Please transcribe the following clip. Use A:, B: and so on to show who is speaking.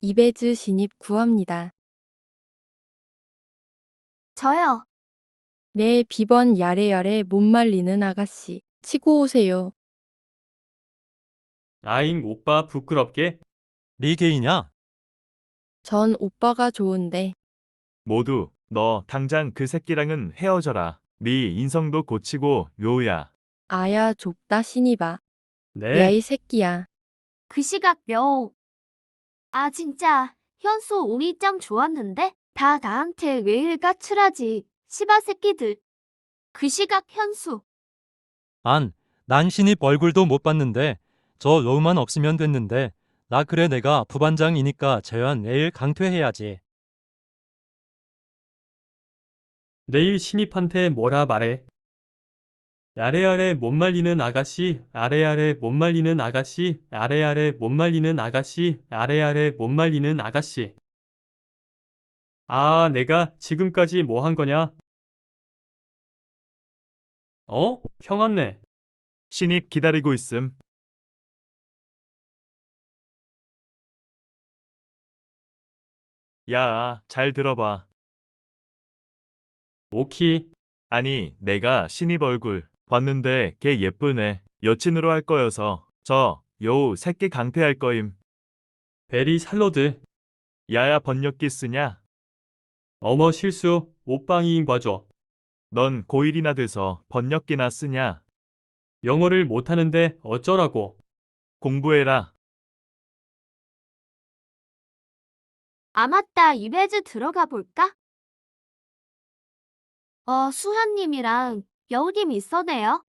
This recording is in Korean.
A: 이베즈 신입 구합니다.
B: 저요.
A: 네, 비번 야래야래 못 말리는 아가씨. 치고 오세요.
C: 아잉 오빠 부끄럽게?
D: 네 개이냐?
A: 전 오빠가 좋은데.
E: 모두 너 당장 그 새끼랑은 헤어져라. 네 인성도 고치고 요야.
A: 아야 좁다 신입아.
C: 네.
A: 야 이 새끼야.
B: 그 시각 명. 아 진짜 현수 우리 짱 좋았는데 다 나한테 왜 일가출하지. 시바 새끼들. 그 시각 현수.
D: 난 신입 얼굴도 못 봤는데 저 로우만 없으면 됐는데 나 그래 내가 부반장이니까 재환 내일 강퇴해야지.
C: 내일 신입한테 뭐라 말해? 아래아래 못 말리는 아가씨, 아래아래 못 말리는 아가씨, 아래아래 못 말리는 아가씨, 아래아래 못 말리는 아가씨. 아, 내가 지금까지 뭐 한 거냐? 형 왔네.
E: 신입 기다리고 있음. 야, 잘 들어봐.
C: 오키.
E: 아니, 내가 신입 얼굴 봤는데 걔 예쁘네. 여친으로 할 거여서 요 새끼 강퇴할 거임.
C: 베리 살로드.
E: 야야 번역기 쓰냐?
C: 어머 실수. 옷방이인 봐줘.
E: 넌 고1이나 돼서 번역기나 쓰냐?
C: 영어를 못하는데 어쩌라고.
E: 공부해라.
B: 아 맞다 이베즈 들어가 볼까? 수현님이랑 여우님 있어네요.